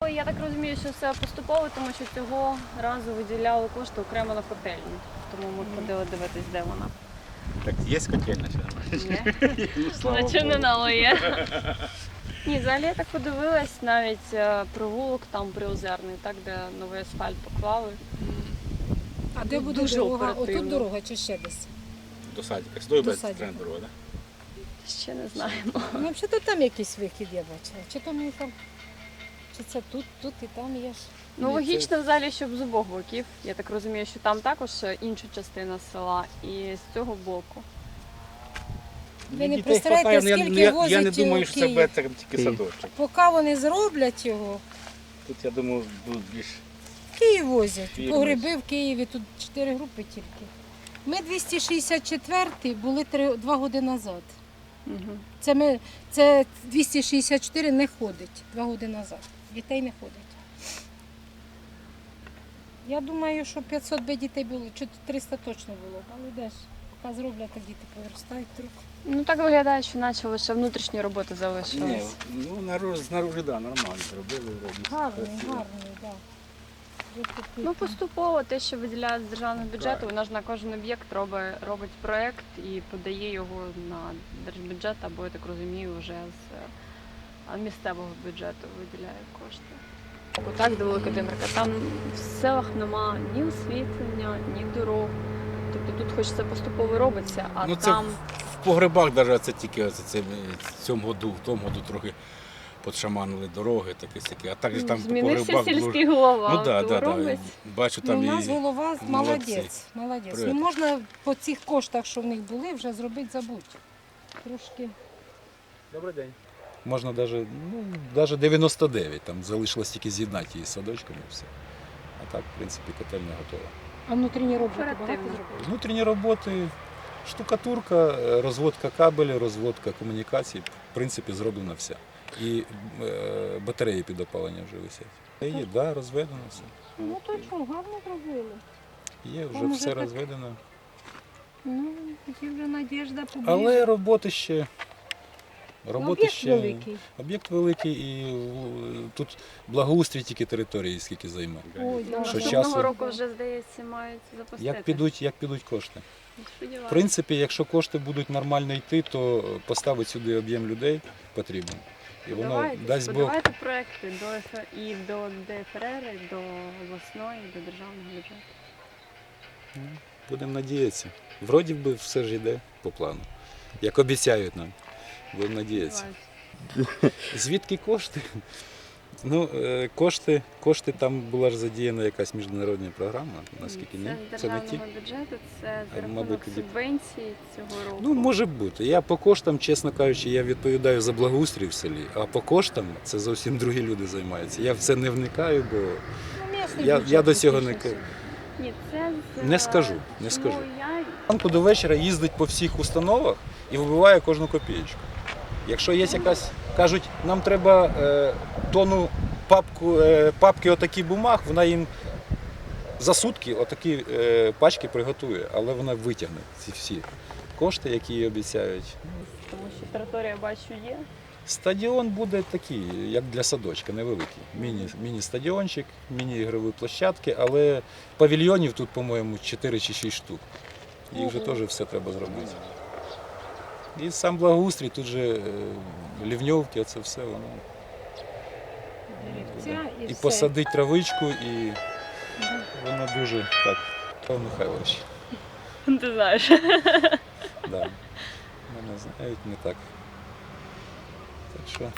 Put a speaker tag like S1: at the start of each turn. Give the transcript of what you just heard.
S1: я так розумію, що це поступово, тому що цього разу виділяли кошти окремо на котельню. Тому ми ходили дивитись, де вона.
S2: Так є котельня ще?
S1: Наче не нало є. Ні, взагалі я так подивилась, навіть провулок там Приозерний, так, де новий асфальт поклали.
S3: А де буде
S1: Дуже
S3: дорога?
S1: оперативно.
S3: Отут дорога чи ще десь?
S2: До садика. Сюди
S3: До
S2: без
S3: садика.
S2: тренд дорога, так?
S1: Ще не знаємо.
S3: Ну, взагалі там якийсь вихід я бачила. Чи там і там? Чи це тут і там є ж?
S1: Ну,
S2: Ні,
S1: логічно взагалі, щоб з обох боків. Я так розумію, що там також інша частина села і з цього боку.
S3: Ви не представляєте, скільки
S2: я
S3: возять
S2: не думаю, що це
S3: Київ.
S2: буде тільки садочок.
S3: Поки вони зроблять його,
S2: Тут, я думаю, будуть більш...
S3: Київ возять.
S2: Фірми.
S3: Погреби в Києві, тут 4 групи тільки. Ми 264-й були 2 роки назад.
S1: Угу.
S3: Це 264 не ходить 2 роки назад. Дітей не ходить. Я думаю, що 500 би дітей було, чи 300 точно було. Але де ж, поки зроблять, так діти повиростають трохи.
S1: Ну так виглядає, що наче лише внутрішні роботи
S2: Ні,
S1: залишились.
S2: ну, знаружи, да, нормально зробили.
S3: Гарний,
S2: красиво.
S3: гарний, так.
S1: Ну поступово те, що виділяють з державного бюджету, вона ж на кожен об'єкт робить проєкт і подає його на держбюджет, або, я так розумію, вже з місцевого бюджету виділяє кошти. Отак до Великодимирка. Там в селах нема ні освітлення, ні дорог. Тобто тут хоч це поступово робиться, а
S2: Ну, це
S1: там
S2: в погребах навіть це тільки в цьому году трохи подшаманили дороги, такі-сякі. А так же там по
S1: змінився
S2: погребах...
S1: сільський голова.
S2: Ну так,
S1: то
S2: да.
S1: робить.
S2: Бачу,
S3: Ну,
S2: там
S3: у нас
S2: і...
S3: голова
S2: молодці.
S3: молодець.
S2: Привіт.
S3: Ну, можна по цих коштах, що в них були, вже зробити забудь. Трошки.
S2: Добрий день. Можна навіть 99, там залишилось тільки з'єднати її з садочком і все. А так, в принципі, котельня готова.
S3: А внутрішні роботи багато
S1: Оперативно.
S3: зробили?
S2: Внутрішні роботи, штукатурка, розводка кабелів, розводка комунікацій, в принципі, зроблена вся. І батареї під опалення вже висять. Є, да, розведено все.
S3: Ну то що, гарно зробили.
S2: Є, вже
S3: Там
S2: все
S3: уже так-
S2: розведено.
S3: Ну, є вже надіжда побільше.
S2: Але роботи ще.
S3: Об'єкт великий.
S2: Об'єкт великий і тут благоустрій тільки території, скільки займе.
S3: Ой, да.
S2: Що
S1: Наступного
S2: часу-
S1: року вже, здається, мають запустити.
S2: Як підуть кошти? В
S1: Сподіваюся.
S2: принципі, якщо кошти будуть нормально йти, то поставити сюди об'єм людей потрібно. І воно дасть Бог.
S1: Подавайте проекти і до ДФРР, і до обласної, і до державного бюджету.
S2: Будемо надіятися. Вроді би все ж йде по плану. Як обіцяють нам. Будемо надіятися.
S1: Сподіваюся.
S2: Звідки кошти? Ну, кошти там була ж задіяна якась міжнародна програма, наскільки ні?
S1: Це з
S2: Це не ті?
S1: державного бюджету, це
S2: А,
S1: за рахунок
S2: мабуть, тоді-
S1: субвенцій цього року.
S2: Ну, може бути. Я по коштам, чесно кажучи, я відповідаю за благоустрій в селі, а по коштам це зовсім другі люди займаються. Я в це не вникаю, бо
S3: Ну, місний
S2: я
S3: бюджет
S2: до цього
S3: більше
S2: не...
S3: всього.
S1: Ні, це з...
S2: Не скажу,
S1: Чому
S2: не скажу.
S1: Я...
S2: Ранку до вечора їздить по всіх установах і вибиває кожну копієчку. Якщо є якась, кажуть, нам треба тонну папки отакі бумаг, вона їм за сутки отакі пачки приготує, але вона витягне ці всі кошти, які їй обіцяють.
S1: Тому що територія, бачу, є.
S2: Стадіон буде такий, як для садочка, невеликий. Міні-стадіончик, міні-ігрові площадки, але павільйонів тут, по-моєму, 4 чи 6 штук. Їх вже теж все треба зробити. І сам благоустрій, тут же лівньовки, це все воно.
S3: Ця і
S2: І
S3: все.
S2: посадить травичку, і воно дуже так. Павло Михайлович,
S1: Ти знаєш.
S2: да. Мене знають не так. Так що